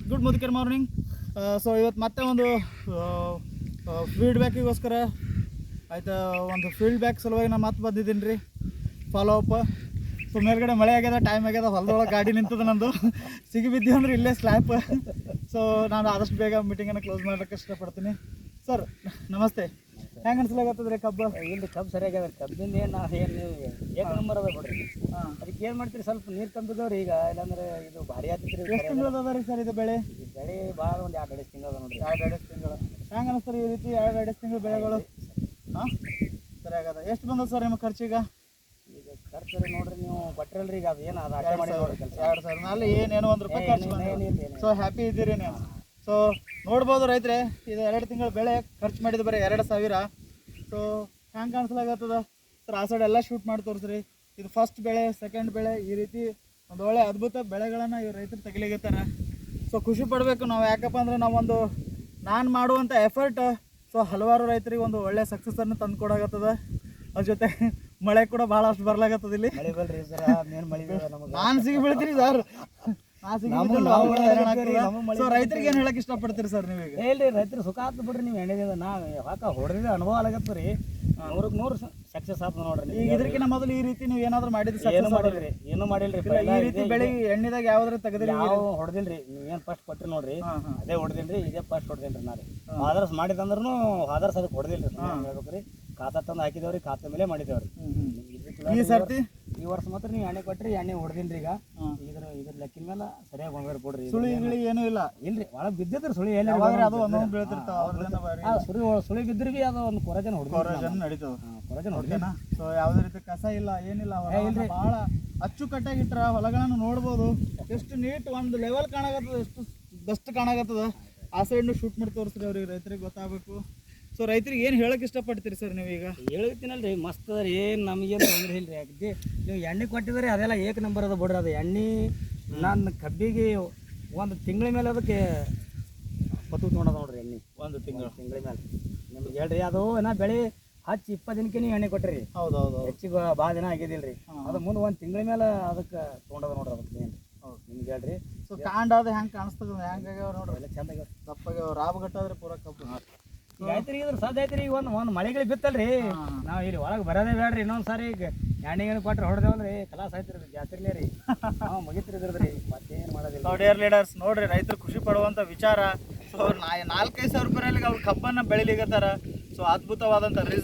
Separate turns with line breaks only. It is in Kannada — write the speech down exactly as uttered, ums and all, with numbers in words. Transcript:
Good ಮುದುಕರ್ morning. ಸೊ ಇವತ್ತು ಮತ್ತೆ ಒಂದು ಫೀಡ್ಬ್ಯಾಕಿಗೋಸ್ಕರ ಆಯ್ತಾ, ಒಂದು ಫೀಡ್ಬ್ಯಾಕ್ ಸಲುವಾಗಿ ನಾನು ಮತ್ತೆ ಬಂದಿದ್ದೀನಿ ರೀ, ಫಾಲೋ ಅಪ್. ಸೊ ಮೇಲ್ಗಡೆ ಮಳೆ ಆಗ್ಯದ, ಟೈಮ್ ಆಗ್ಯದ, ಹೊಲದೊಳಗೆ ಗಾಡಿ ನಿಂತದ ನಂದು, ಸಿಗಿ ಬಿದ್ದೀವಿ ಅಂದ್ರೆ ಇಲ್ಲೇ ಸ್ಲ್ಯಾಪ್. ಸೊ ನಾನು ಆದಷ್ಟು ಬೇಗ ಮೀಟಿಂಗನ್ನು ಕ್ಲೋಸ್ ಮಾಡೋಕ್ಕೆ ಇಷ್ಟಪಡ್ತೀನಿ. ಸರ್ ನಮಸ್ತೆ, ಹೆಂಗೆ ಅನ್ಸಲಾಗತ್ತದ ರೀ ಕಬ್ಬು?
ಇಲ್ಲಿ ಕಬ್ಬು ಸರಿಯಾಗ್ಯದ. ಕಬ್ಬಿಂದ ಏನು ಏನು ಏಕ ನಂಬರ್ ಅದ ಬಿಡ್ರಿ. ಹಾಂ, ಅದಕ್ಕೆ ಏನು ಮಾಡ್ತೀರಿ, ಸ್ವಲ್ಪ ನೀರು ಕಂಬಿದವ್ರಿ ಈಗ, ಇಲ್ಲಾಂದ್ರೆ ಇದು ಭಾರಿ ಆಗ್ತೈತಿ ರೀ.
ಎಷ್ಟು ತಿಂಗಳು ಅದ ರೀ ಸರ್ ಇದು ಬೆಳೆ?
ಈ ಬೆಳೆ ಭಾಳ ಒಂದು ಎರಡು ಎರಡು ತಿಂಗಳು ಅದ ನೋಡ್ರಿ.
ಎರಡು ಎರಡು ತಿಂಗಳು ಹೆಂಗೆ ಅನಿಸ್ತಾರೆ ಈ ರೀತಿ ಎರಡು ಎರಡು ತಿಂಗಳು ಬೆಳೆಗಳು? ಹಾಂ, ಸರಿ ಆಗದ. ಎಷ್ಟು ಬಂದದ ಸರ್ ನಿಮ್ಮ ಖರ್ಚೀಗ?
ಈಗ ಖರ್ಚು ನೋಡ್ರಿ, ನೀವು ಕೊಟ್ಟಿರಲ್ರಿ ಈಗ, ಅದು ಏನು ಅದು ಅಷ್ಟೇ ಮಾಡಿ ನೋಡ್ರಿ ಕೆಲಸ.
ಎರಡು ಸಾವಿರ ನಲ್ಲಿ ಏನೇನೋ ಒಂದು ರೂಪಾಯಿ ಖರ್ಚು ಬಂದಿಲ್ಲ. ಸೊ ಹ್ಯಾಪಿ ಇದ್ದೀರಿ ನೀವು? ಸೊ ನೋಡ್ಬೋದು ರೈತರೆ, ಇದು ಎರಡು ತಿಂಗಳು ಬೆಳೆ ಖರ್ಚು ಮಾಡಿದ ಬರೀ ಎರಡು ಸಾವಿರ. ಸೊ ಹ್ಯಾಂಗೆ ಕಾಣಿಸ್ಲಾಗತ್ತದ ಸರ್? ಆ ಸೈಡ್ ಎಲ್ಲ ಶೂಟ್ ಮಾಡಿ ತೋರಿಸ್ರಿ. ಇದು ಫಸ್ಟ್ ಬೆಳೆ, ಸೆಕೆಂಡ್ ಬೆಳೆ, ಈ ರೀತಿ ಒಂದು ಒಳ್ಳೆ ಅದ್ಭುತ ಬೆಳೆಗಳನ್ನು ಇವ್ರು ರೈತರು ತೆಗಿಲಿಗತ್ತಾರ. ಸೊ ಖುಷಿ ಪಡಬೇಕು ನಾವು, ಯಾಕಪ್ಪ ಅಂದ್ರೆ ನಾವೊಂದು ನಾನು ಮಾಡುವಂಥ ಎಫರ್ಟ್ ಸೊ ಹಲವಾರು ರೈತರಿಗೆ ಒಂದು ಒಳ್ಳೆ ಸಕ್ಸಸ್ಸನ್ನು ತಂದು ಕೊಡಾಗತ್ತದ. ಅದ್ರ ಜೊತೆ ಮಳೆ ಕೂಡ ಭಾಳಷ್ಟು ಬರ್ಲಾಗತ್ತದ ಇಲ್ಲಿ.
ಮಳೆ ಬಲ್ರಿ ಸರ್, ಮೇನ್ ಮಳೆ ನಮಗೆ.
ನಾನು ಸಿಗಿ ಬೀಳ್ತೀನಿ ಸರ್, ಸೊ ರೈತರಿಗೆ ಏನು ಹೇಳಕ್ ಇಷ್ಟಪಡ್ತೀರಿ ಸರ್ ನೀವೀಗ?
ಹೇಳ್ರಿ, ರೈತರು ಸುಖ ಆತು ಬಿಡ್ರಿ. ನೀವು ಎಣ್ಣೆದ ನಾವು ಯಾಕ ಹೊಡೆದಿದ್ದ ಅನುಭವ ಆಗತ್ತ ರೀ, ನೂರಕ್ಕೆ ನೂರು ಸಕ್ಸಸ್ ಆತು ನೋಡ್ರಿ.
ಈಗ ಇದಕ್ಕಿಂತ ಮೊದಲು ಈ ರೀತಿ ನೀವು ಏನಾದ್ರು ಮಾಡಿದ್ರಿ?
ಏನು ಮಾಡಿಲ್ರಿ, ಏನು ಮಾಡಿಲ್ರಿ.
ಈ ರೀತಿ ಬೆಳೆ ಎಣ್ಣಿದಾಗ ಯಾವ್ದ್ರ ತೆಗೆದ್ರಿ?
ಯಾವ ಹೊಡೆದಿಲ್ರಿ. ನೀವೇನು ಫಸ್ಟ್ ಕೊಟ್ಟಿರಿ ನೋಡ್ರಿ, ಅದೇ ಹೊಡೆದಿಲ್ರಿ, ಇದೇ ಫಸ್ಟ್ ಹೊಡೆದಿಲ್ರಿ. ನಾ ರೀ ಆದರ್ಸ್ ಮಾಡಿದಂದ್ರೂ ಆದರ್ಸ್ ಅದಕ್ಕೆ ಹೊಡೆದಿಲ್ರಿ. ಹೇಳ್ಬೇಕ್ರಿ, ಖಾತಾ ತಂದು ಹಾಕಿದೇವ್ರಿ, ಖಾತಾ ಮೇಲೆ ಮಾಡಿದೇವ್ರಿ.
ಈ ಸರ್ತಿ
ಈ ವರ್ಷ ಮಾತ್ರ ನೀವು ಎಣ್ಣೆ ಕೊಟ್ರಿ, ಎಣ್ಣೆ ಹೊಡೆದಿಲ್ರಿ. ಈಗ ಇದ್ರ ಇದ್ರ ಲೆಕ್ಕಿನ ಮೇಲೆ ಸರಿಯಾಗಿ ಬಂಗಾರ ಕೊಡ್ರಿ.
ಸುಳಿ ಗಿಳಿ ಏನೂ ಇಲ್ಲ
ಇಲ್ರಿ, ಒಳಗೆ ಬಿದ್ದಿದ್ರಿ ಸುಳಿ. ಎಲ್ಲಿ
ಅದು ಒಂದೊಂದು ಬೀಳ್ತಿರ್ತಾವ,
ಸುಳಿ ಸುಳಿ ಬಿದ್ರಿ ಬಿ ಅದು ಒಂದು ಕೊರಜನ ಹೊಡೆದ
ನಡೀತದ.
ಕೊರಜನ ಹೊಡೆದೇನಾ?
ಸೊ ಯಾವುದೇ ರೀತಿ ಕಸ ಇಲ್ಲ, ಏನಿಲ್ಲ. ಬಹಳ ಅಚ್ಚುಕಟ್ಟಾಗಿ ಇಟ್ರ ಹೊಲಗಳನ್ನು ನೋಡ್ಬೋದು. ಎಷ್ಟು ನೀಟ್ ಒಂದು ಲೆವೆಲ್ ಕಾಣಾಗತ್ತದ, ಎಷ್ಟು ಬೆಸ್ಟ್ ಕಾಣಾಗತ್ತದ. ಆ ಸೈಡ್ನು ಶೂಟ್ ಮಾಡಿ ತೋರಿಸ್ರಿ ಅವ್ರಿಗೆ, ರೈತರಿಗೆ ಗೊತ್ತಾಗಬೇಕು. ಸೊ ರೈತರಿಗೆ ಏನು ಹೇಳಕ್ಕೆ ಇಷ್ಟಪಡ್ತೀರಿ ಸರ್ ನೀವೀಗ?
ಹೇಳ್ತೀನಲ್ರಿ, ಮಸ್ತ್ ಅದ ರೀ, ಏನು ನಮಗೇನು ತೊಂದರೆ ಇಲ್ರಿ. ಅಗದಿ ನೀವು ಎಣ್ಣೆ ಕೊಟ್ಟಿದ್ರೆ ಅದೆಲ್ಲ ಏಕ ನಂಬರ್ ಅದ ಬಿಡ್ರಿ. ಅದು ಎಣ್ಣೆ ನನ್ನ ಕಬ್ಬಿಗೆ ಒಂದು ತಿಂಗಳ ಮೇಲೆ ಅದಕ್ಕೆ ಪತ್ತು ತೊಗೊಂಡದ ನೋಡ್ರಿ. ಎಣ್ಣೆ
ಒಂದು ತಿಂಗಳು
ತಿಂಗಳ ಮೇಲೆ ನಿಮ್ಗೆ ಹೇಳ್ರಿ. ಅದು ನಾ ಬೆಳೆ ಹಚ್ಚಿ ಇಪ್ಪತ್ತು ದಿನಕ್ಕೆ ನೀವು ಎಣ್ಣೆ ಕೊಟ್ಟಿರಿ.
ಹೌದು ಹೌದು,
ಹೆಚ್ಚಿಗೆ ಭಾಳ ದಿನ ಆಗಿದ್ದಿಲ್ಲ ರೀ. ಅದು ಮುಂದೆ ಒಂದು ತಿಂಗಳ ಮೇಲೆ ಅದಕ್ಕೆ ತೊಗೊಂಡದ ನೋಡ್ರಿ. ಅದಕ್ಕೆ ಏನು
ಹೌದು
ನಿಮ್ಗೆ ಹೇಳ್ರಿ.
ಸೊ ಕಾಂಡ ಅದು ಹೆಂಗೆ ಕಾಣಿಸ್ತದ, ಹೆಂಗೆ ಆಗ್ಯಾವ ನೋಡ್ರಿ, ಎಲ್ಲ
ಚಂದ ಆಗ್ಯಾವ,
ದಪ್ಪಾಗ್ಯಾವ, ರಾಬ್ ಗಟ್ಟಾದ್ರೆ ಪೂರ ಕಬ್ಬು.
ಈಗ ಆಯ್ತು ಇದ್ರ ಸಾಧ್ಯ ಐತ್ರಿ. ಈಗ ಒಂದು ಒಂದು ಮಳೆಗಳು ಬಿತ್ತಲ್ರಿ, ನಾವು ಇಲ್ಲಿ ಒಳಗೆ ಬರೋದೇ ಬೇಡ್ರಿ. ಇನ್ನೊಂದು ಸಾರಿ ಈಗ ಎಣ್ಣೆಗೆ ಕೊಟ್ಟರೆ ಹೊಡೆದೇವಲ್ರಿ, ಕಲಾಸ ಆಯ್ತಿರಿ ಜಾತ್ರೆಲೇ ರೀ. ನಾವು ಮುಗಿತ್ರಿ ಇದ್ರದ್ರಿ, ಮತ್ತೇನು ಮಾಡೋದಿಲ್ಲ.
ಡಿಯರ್ ಲೀಡರ್ಸ್ ನೋಡ್ರಿ, ರೈತರು ಖುಷಿ ಪಡುವಂಥ ವಿಚಾರ. ಸೊ ಅವ್ರು ನಾಲ್ಕೈದು ಸಾವಿರ ರೂಪಾಯಲ್ಲಿ ಅವ್ರು ಕಬ್ಬನ್ನು ಬೆಳಿಲಿಗತ್ತಾರ. ಸೊ ಅದ್ಭುತವಾದಂಥ ರಿಸಲ್ಟ್.